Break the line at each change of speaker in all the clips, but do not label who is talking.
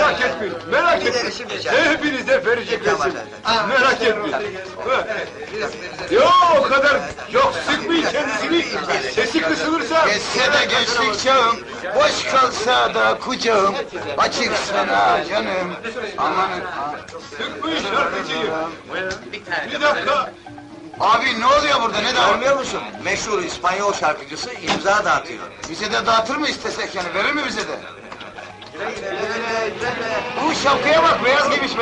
Merak etmeyin, merak etmeyin. Hepinize verecek resim. Merak etmeyin. Yok o kadar, yok sıkmayın kendisini. Sesi kısılırsa...
Geçse de gençlik çağım, boş kalsa da kucağım, açık sana canım, amanın...
Sıkmayın şarkıcıyı. Bir dakika.
Abi ne oluyor burada, ne dağılıyor?
Görmüyor musun? Meşhur İspanyol şarkıcısı imza dağıtıyor.
Bize de dağıtır mı istesek yani, verir mi bize de? Bu şapkaya bak, beyaz giymiş be!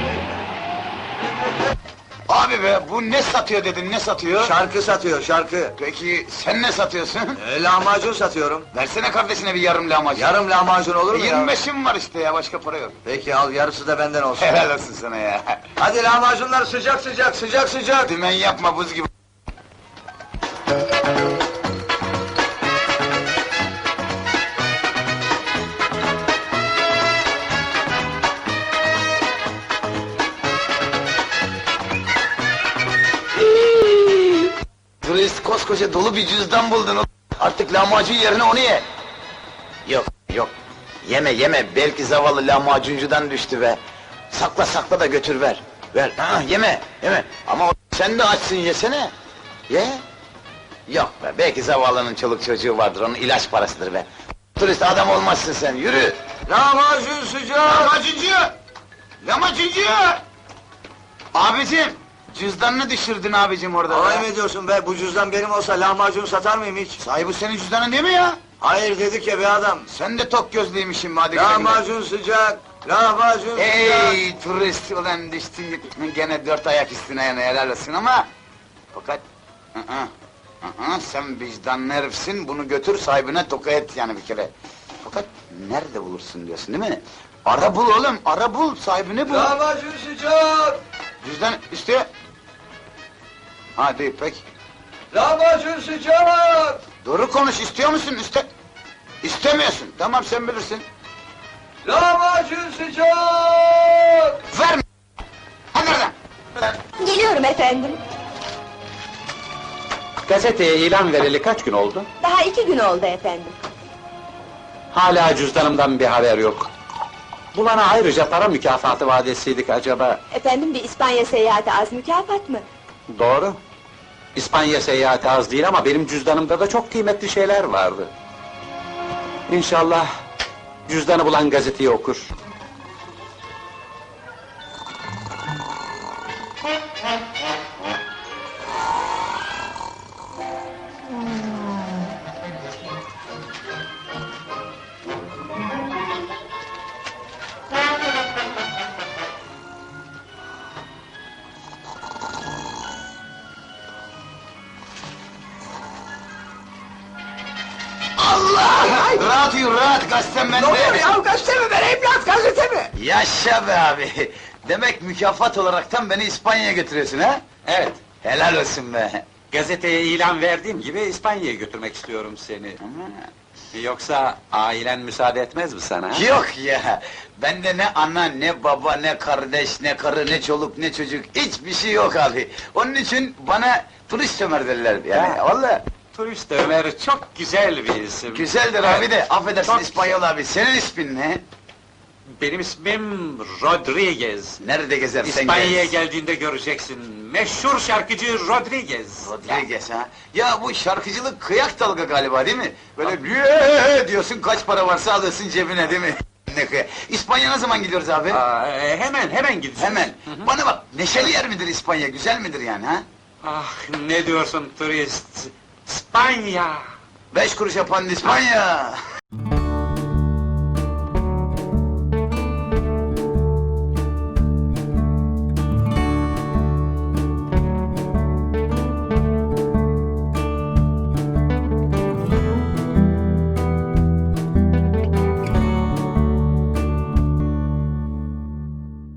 Abi be, bu ne satıyor dedin, ne satıyor?
Şarkı satıyor, şarkı.
Peki, sen ne satıyorsun?
Lahmacun satıyorum.
Versene kardeşine bir yarım lahmacun.
Yarım lahmacun olur mu ya?
25'im var işte ya, başka para yok.
Peki al, yarısı da benden olsun.
Helal olsun sana ya!
Hadi lahmacunlar sıcak sıcak, sıcak sıcak!
Dümen yapma, buz gibi! Turist koskoca dolu bir cüzdan buldun. Artık lahmacun yerine onu ye. Yok, yok. Yeme, yeme. Belki zavallı lahmacuncudan düştü be. Sakla, sakla da götür ver. Ver. Ha, yeme, yeme. Ama sen de açsın, yesene. Ye. Yok be, belki zavallının çoluk çocuğu vardır, onun ilaç parasıdır be. Turist adam olmazsın sen, yürü.
Lahmacun sıcak!
Lahmacuncu! Lahmacuncu! Abicim, cüzdanını düşürdün abicim orada.
Alay
be.
mı ediyorsun be? Bu cüzdan benim olsa lahmacun satar mıyım hiç?
Sahi bu senin cüzdanın değil mi ya?
Hayır dedik ya be adam.
Sen de tok gözlüymüşsün hadi güle güle.
Lahmacun sıcak, lahmacun sıcak!
Ey turist ulan düştün gene dört ayak üstüne yana helal olsun ama... Fakat... sen vicdanlı herifsin, bunu götür sahibine toka et yani bir kere. Fakat nerede bulursun diyorsun değil mi? Ara bul oğlum, ara bul, sahibini bul.
Lahmacun sıcak!
Cüzdan üstü... Hadi pek.
Lahmacun sıcak!
Doğru konuş, istiyor musun üste? İstemiyorsun, tamam sen bilirsin.
Lahmacun sıcak!
Verme! Hadi oradan!
Geliyorum efendim.
Gazeteye ilan vereli kaç gün oldu?
Daha 2 gün oldu efendim.
Hala cüzdanımdan bir haber yok. Bulana ayrıca para mükafatı vadesiydik acaba?
Efendim bir İspanya seyahati az mükafat mı?
Doğru. İspanya seyahati az değil ama benim cüzdanımda da çok kıymetli şeyler vardı. İnşallah cüzdanı bulan gazeteyi okur.
Allah! Rahat yürü, rahat, gazetem bende!
Ne oluyor ya? Gazete mi ver evlat, gazete mi?
Yaşa be abi! Demek mükafat olaraktan beni İspanya'ya götürüyorsun ha?
Evet,
Helal olsun be!
gazeteye ilan verdiğim gibi İspanya'ya götürmek istiyorum seni. Yoksa ailen müsaade etmez mi sana?
Yok ya! Bende ne ana, ne baba, ne kardeş, ne karı, ne çoluk, ne çocuk, hiçbir şey yok abi! Onun için bana turist Ömer derler yani,
Ya.
vallahi!
Turist Ömer çok güzel bir isim.
Güzeldir abi de, affedersin
Çok
İspanyol abi, senin ismin ne?
Benim ismim Rodriguez.
Nerede gezersen
İspanya'ya
gez.
geldiğinde göreceksin. Meşhur şarkıcı Rodriguez.
Rodriguez ha? Ya bu şarkıcılık kıyak dalga galiba değil mi? Böyle "Yee!" diyorsun, kaç para varsa alıyorsun cebine değil mi? Ne kıyak. İspanya ne zaman gidiyoruz abi?
Hemen gideceğiz.
Hemen.
Hı hı.
Bana bak, neşeli yer midir İspanya, güzel midir yani ha?
Ah, ne diyorsun turist? İspanya!
5 kuruş yapan İspanya!